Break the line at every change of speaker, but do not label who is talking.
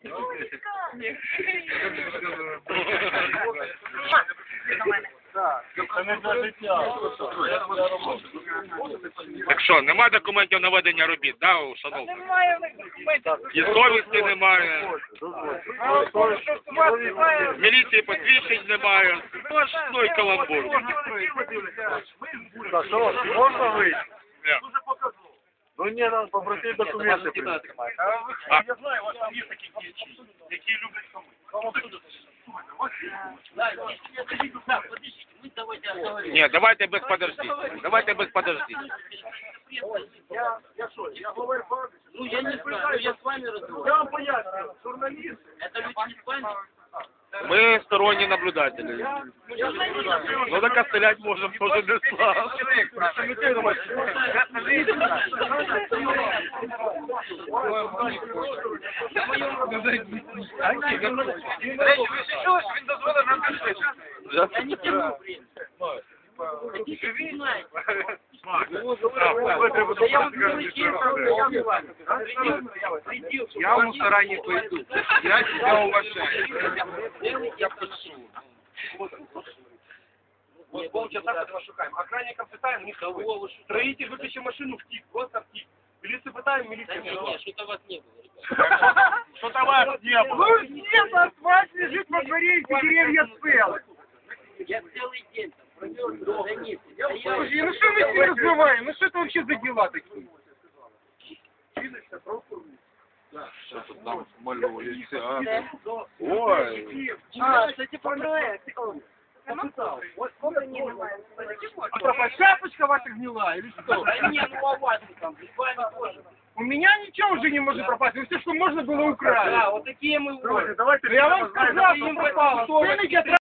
Так що, нема документів на ведення робіт, да, у шановних?
Немає документів.
І совісті немає. Міліції посвідчень немає. Ну і каламбур.
Можна вийти?
Ні.
Ну ні, нам попросити документи.
А,
Я знаю, у вас там є такі діячі, які люблять хамити.
ні, давайте без подождіть. Давайте без подождіть.
Я що, я говорю,
Ну, я не знаю, я с вами разговариваю.
я вам поясню, журналіст.
Это люди не с вами.
Ми сторонні наблюдателі. Ну так а стрілять можна теж не слава.
Він дозволив нам пішли.
Я не тяну время. Такие знаете.
Да я вам говорю,
Я в мусора не пойду. Я тебя уважаю. Я прошу.
Вот полчаса мы этого шукаем. Охранников пытаем, не того. Строитель выключил машину, втик, просто втик. Милицию пытаем, милиция не
Нет, что-то вас не было, ребята.
Что-то вас не было.
Ну, нет, асфальт лежит во дворе, и деревья целы.
Я целый день там провел до границы.
Слушай, ну что мы с ним разговариваем? Ну что это вообще за дела такие?
Ой.
Это типа проект. Вот сколько не немає. А что, шапочка ваша гнила или что?
Да не, ну а вас там, с вами тоже.
У меня ничего уже не может пропасть. Все, что можно было украсть.
Да, вот такие мы вот.
Я вам сказал, что пропало. Цены